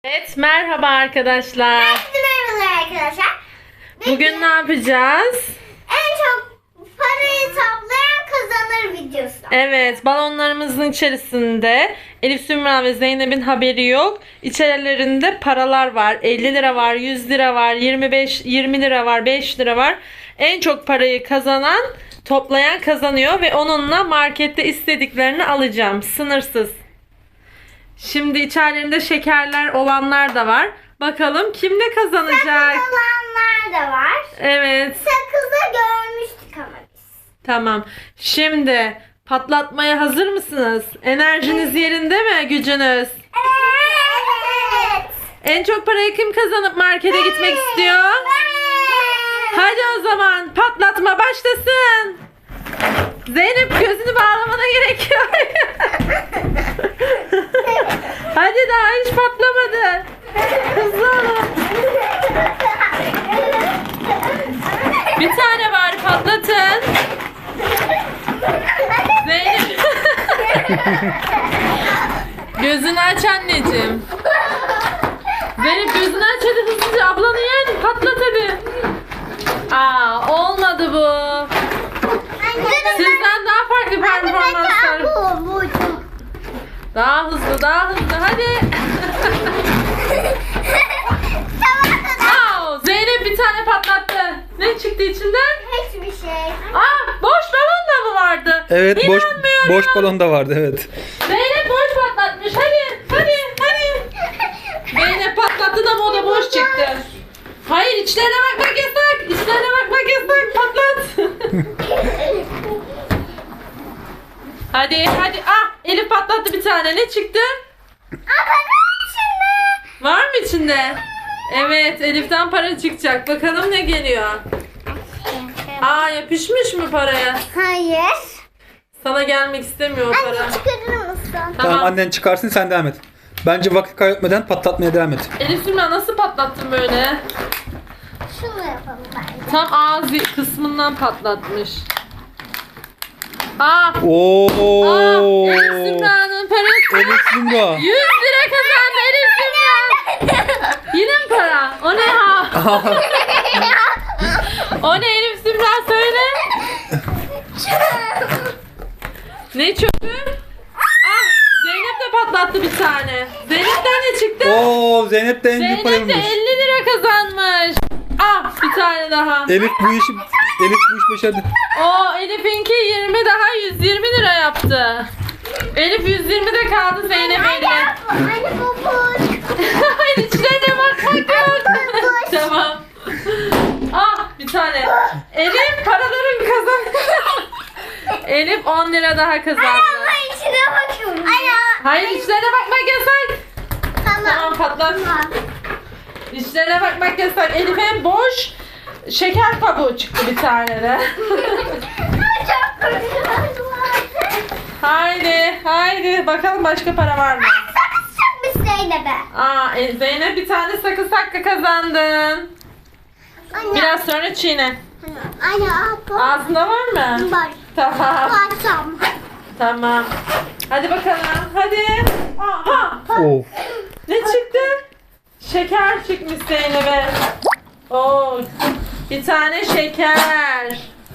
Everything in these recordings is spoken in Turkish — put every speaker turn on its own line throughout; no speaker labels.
Evet, merhaba arkadaşlar.
Merhaba arkadaşlar.
Bugün ne yapacağız?
En çok parayı toplayan kazanır videosu.
Evet, balonlarımızın içerisinde Elif Sümra ve Zeynep'in haberi yok. İçerilerinde paralar var. 50 lira var, 100 lira var, 20 lira var, 5 lira var. En çok parayı toplayan kazanıyor ve onunla markette istediklerini alacağım. Sınırsız. Şimdi içerilerinde şekerler olanlar da var. Bakalım kim ne kazanacak?
Sakız olanlar da var.
Evet.
Sakızı görmüştük ama biz.
Tamam. Şimdi patlatmaya hazır mısınız? Enerjiniz yerinde mi? Gücünüz?
Evet.
En çok parayı kim kazanıp markete gitmek istiyor? Hadi o zaman patlatma başlasın. Zeynep gözünü bağlamana gerek yok. Hadi daha hiç patlamadı. Hızlı olun. Bir tane var, patlatın. Zeynep. Gözünü aç anneciğim. Zeynep gözünü aç hadi hızlıca. Ablanı yen. Patlat hadi. Aa, olmadı bu. Sizden daha farklı performanslar. Daha hızlı, daha hızlı. Hadi. Aa, Zeynep bir tane patlattı. Ne çıktı içinden?
Hiçbir şey.
Aa, boş balon da mı vardı?
Evet,
İnanmıyorum.
boş balon da vardı, evet.
Zeynep boş patlatmış. Hadi. Zeynep patlattı da o da boş çıktı. Hayır, içlerine bakmak yasak. İçlerine bakmak yasak. Patlat. Hadi. Ah, Elif patlattı bir tane. Ne çıktı? Var mı içinde? Evet, Elif'ten para çıkacak. Bakalım ne geliyor. Aa, yapışmış mı paraya?
Hayır.
Sana gelmek istemiyor o para.
Anne çıkarır mısın?
Tamam, annen çıkarsın, sen devam et. Bence vakit kaybetmeden patlatmaya devam et.
Elif Sümra nasıl patlattın böyle?
Şunu yapalım bence.
Tam ağzı kısmından patlatmış. Aa,
Oo!
Elif Sümra'nın parası.
Elif Sümra.
100 lira kazandı Elif Sümra. Yine mi para? O ne ha? O ne Elif Sümra söyle. Ne çöpü? Ah, Zeynep de patlattı bir tane. Zeynep'ten ne çıktı?
Oo, Zeynep de en büyük
Zeynep de
paraymış.
50 lira kazanmış. Ah, bir tane daha.
Elif bu iş başardı.
O Elif'inki 20 daha 120 lira yaptı. Elif 120 de kaldı Zeynep 50.
Anne bu boş.
Hayır, içlerine bakmak yok.
Boş.
Tamam. Ah, bir tane. Elif paraların kazandı. Elif 10 lira daha kazandı.
Ama içine bakıyorum.
Hayır, içlerine bakmak yasak. Tamam,
Tamam.
patlat. İçlerine bakmak yasak. Elif'e boş şeker kabuğu çıktı bir tane de.
Çok korkuyorum.
Haydi. Bakalım başka para var mı?
Sakız çıkmış Zeynep'e.
Aa, Zeynep bir tane sakız hakkı kazandın.
Anne.
Biraz sonra çiğne.
Anne bu.
Ağzında var mı?
Var.
Tamam.
Baksam.
Tamam. Hadi bakalım. Hadi. Aha.
Of.
Ne çıktı? Şeker çıkmış Zeynep'e. Oo. Bir tane şeker.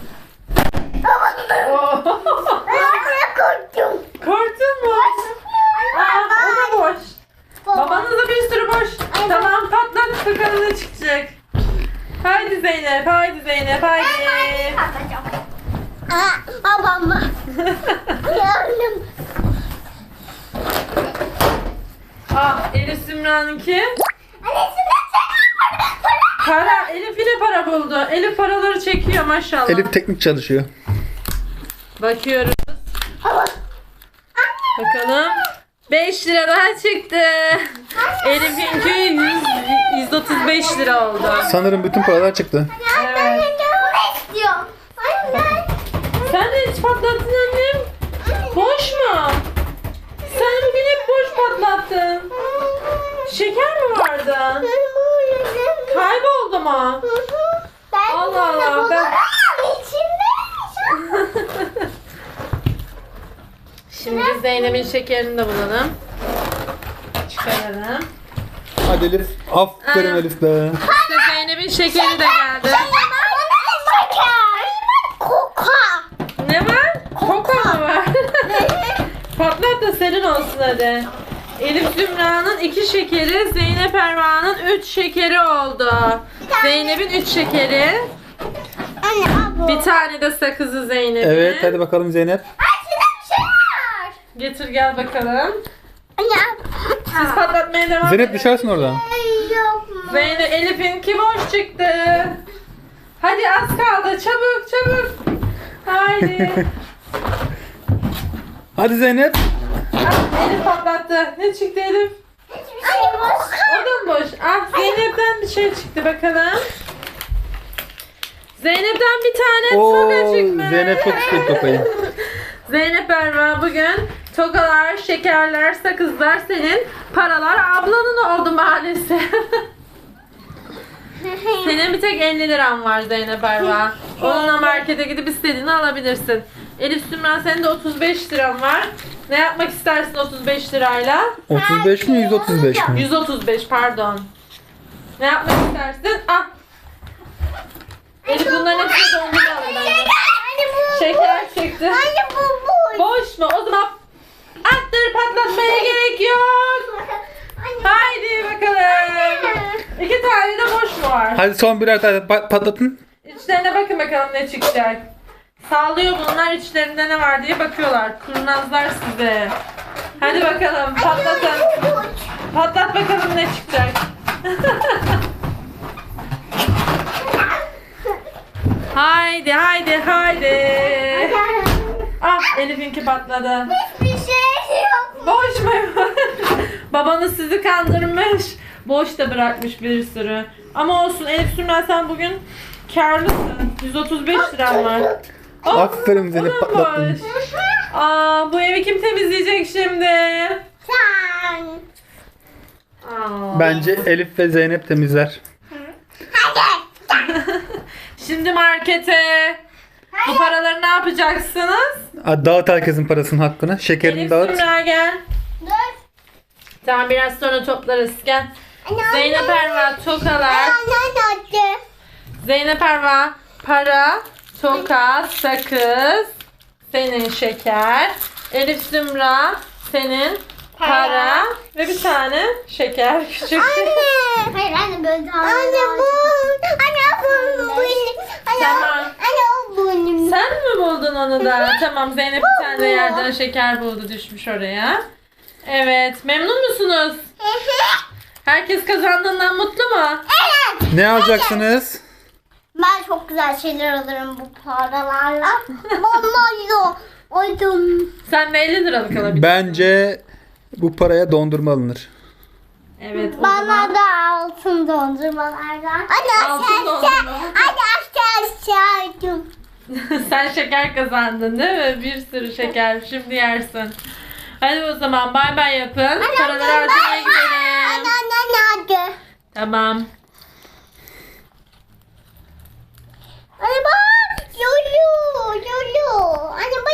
Oo.
Anne korktum.
Korktun mu? Aa, o da boş. Babanız da bir sürü boş. Tamam, patlat bakalım ne çıkacak. Haydi Zeynep. Haydi.
Babam mı? Yardım.
Ah, Elif Sümra'nınki.
Anne
Para. Elif yine para buldu. Elif paraları çekiyor maşallah.
Elif teknik çalışıyor.
Bakıyoruz. Bakalım. 5 lira daha çıktı. Elif'inki 135 lira oldu.
Sanırım bütün paralar çıktı.
Evet.
bunu istiyorum. Anne.
Sen de hiç patlattın annem. Boş mu? Sen bugün hep boş patlattın. Şeker mi vardı? Kayboldu mu? Allah Allah, ben- Şimdi Zeynep'in şekerini de bulalım. Çıkaralım.
Hadi Elif. Aferin Elif be.
İşte Zeynep'in şekeri de geldi.
Koka.
Ne var? Koka mı var? Patlat da senin olsun hadi. Elif Zümra'nın 2 şekeri, Zeynep Erva'nın 3 şekeri oldu. Zeynep'in 3 şekeri.
Anne al bu.
Bir tane de sakızı Zeynep'in.
Evet hadi bakalım Zeynep.
Şurada bir şey var.
Getir gel bakalım.
Anne al.
Siz patlatmaya devam
Zeynep
edin.
düşersin oradan.
Yok mu?
Zeynep, Elif'inki boş çıktı. Hadi az kaldı. Çabuk çabuk. Haydi.
Hadi Zeynep.
Ah, Elif patlattı. Ne çıktı Elif?
Hiçbir şey boş.
O da mı boş? Ah, Zeynep'ten bir şey çıktı bakalım. Zeynep'ten bir tane
Oo,
toka çıkmış.
Zeynep çok istiyor tokayı.
Zeynep Erva bugün tokalar, şekerler, sakızlar senin, paralar ablanın oldu maalesef. Senin bir tek 50 liran var Zeynep Erva. Onunla markete gidip istediğini alabilirsin. Elif Sümran senin de 35 liran var. Ne yapmak istersin 35 lirayla?
35 mi 135 mi?
135 pardon. Ne yapmak istersin? Ah. Elif bunların hepsini dondurma alır bence.
Anne bu.
Şeker çıktı.
Anne bu.
Boş mu? O zaman attır patlatmaya gerek yok.
Anne.
Haydi bakalım. 2 tane de boş mu var?
Hadi son birer tane patlatın.
İçlerine bakın bakalım ne çıkacak. Sallıyor bunlar içlerinde ne var diye bakıyorlar. Kurnazlar size. Hadi bakalım patlatın. Patlat bakalım ne çıkacak. Haydi haydi haydi. Ah Elif'inki patladı.
Hiçbir şey yok.
Boş mu? Babanız sizi kandırmış. Boş da bırakmış bir sürü. Ama olsun Elif Sümren sen bugün karlısın. 135 liran var. Oh,
Aferin Zeynep,
o da
patlattın.
boş. Aa, bu evi kim temizleyecek şimdi?
Sen.
Aa.
Bence Elif ve Zeynep temizler.
Şimdi markete. Bu paraları ne yapacaksınız?
Hadi dağıt herkesin parasının hakkını. Şekerini
Elif
dağıt.
Sümra gel.
Dur.
Tamam biraz sonra toplarız. Gel.
Anne,
Zeynep Erva tokalar.
Anne.
Zeynep Erva para, toka, sakız, senin şeker. Elif Zümra senin para ve bir tane şeker küçük.
Hayır anne böyle daha. Anne bu. Anne bu benim.
Tamam.
Anne o benim.
Sen mi buldun onu da? Tamam Zeynep bir tane de yerden şeker buldu düşmüş oraya. Evet memnun musunuz? Herkes kazandığından mutlu mu?
Ne alacaksınız?
Ben çok güzel şeyler alırım bu paralarla. Vallahi oydum.
Sen de 50 liralık alabilirsin.
Bence bu paraya dondurma alınır.
Evet o
Bana
zaman.
da altın dondurmalardan. Anne
Altın dondurma.
Anne aşağı.
Sen şeker kazandın değil mi? Bir sürü şeker. Şimdi yersin. Hadi o zaman bay bay yapın. Paraları harcamaya gidelim.
Anne.
Tamam.
Anne bak. Lulu. Anne